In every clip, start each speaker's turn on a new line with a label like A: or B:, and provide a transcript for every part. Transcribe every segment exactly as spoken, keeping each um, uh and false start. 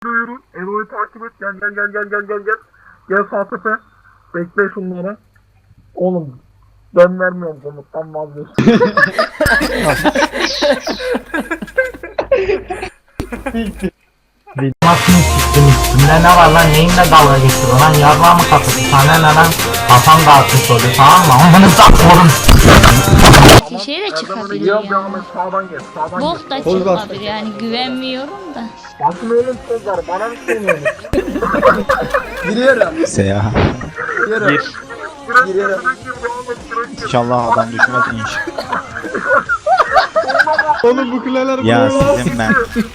A: Yürü. Elo'yu takip et. Gel gel gel gel gel gel gel. Gel sağ tepe. Bekle şunları. Oğlum ben vermiyorum komuttan vazgeçtim.
B: Nasıl siktin üstünde ne var lan, neyinle dalga geçiyor lan, yarrağı mı kapısı sana ne lan, kafam dağıtmış oluyor tamam mı, amını saklıyorum.
C: Şey de çıkabilir
A: Gidiyorum
C: ya.
A: devam et, sağdan gel sağdan
C: Bok da
A: gel.
C: çıkabilir yani, güvenmiyorum da.
A: Bakın oğlum tozlar bana mı söylüyorsun?
D: Giriyorum.
E: Seya.
D: Giriyorum.
A: Direkt
D: Giriyorum.
A: direkt gir devam et direkt gir.
E: İnşallah adam düşmez inş.
D: Oğlum bu kuleler
E: Ya sizin ben.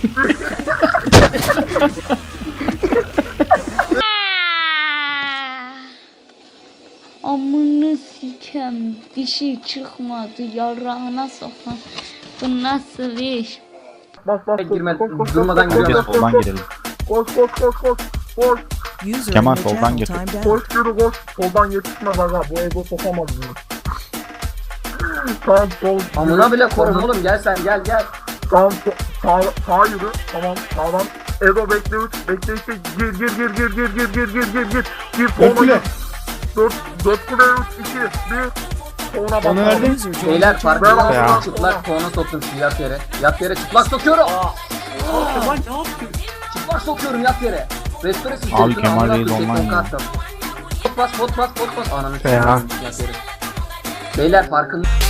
C: Amını sikem, dişi çıkmadı, yarrağına sokan. Bu nasıl iş?
A: Bas bas koş,
D: Girme,
A: koş, koş,
D: durmadan
A: koş, koş,
D: giriyorum.
A: koş,
E: Soldan
A: koş,
E: girelim.
A: Koş koş koş koş koş.
E: Kemal, soldan gir.
A: Koş yürü koş. Soldan yetişmez aga. Bu ego sokamaz bunu. Tamam sol.
D: Amına bile korum oğlum, gel sen gel gel.
A: Tamam sağ, sağ yürü. Tamam sağdan. Ego bekle üç. Bekle işte. Gir gir gir gir gir gir gir gir gir gir. Gir sola gir. Dört. Dört kule üç. iki. Bir. Sonra bak. Onu verdim.
D: Beyler
A: Ben
D: farkında
A: aldım.
D: mısın? Çıplak konu soktum şu yat yere. Yat yere çıplak sokuyorum. Kemal ne yaptın? Çıplak sokuyorum yat yere. Restore sistemi.
E: Abi Kemal Reis online ya.
D: Pot bas pot bas pot bas. Ananı s**eyim, yat yere. Beyler farkında.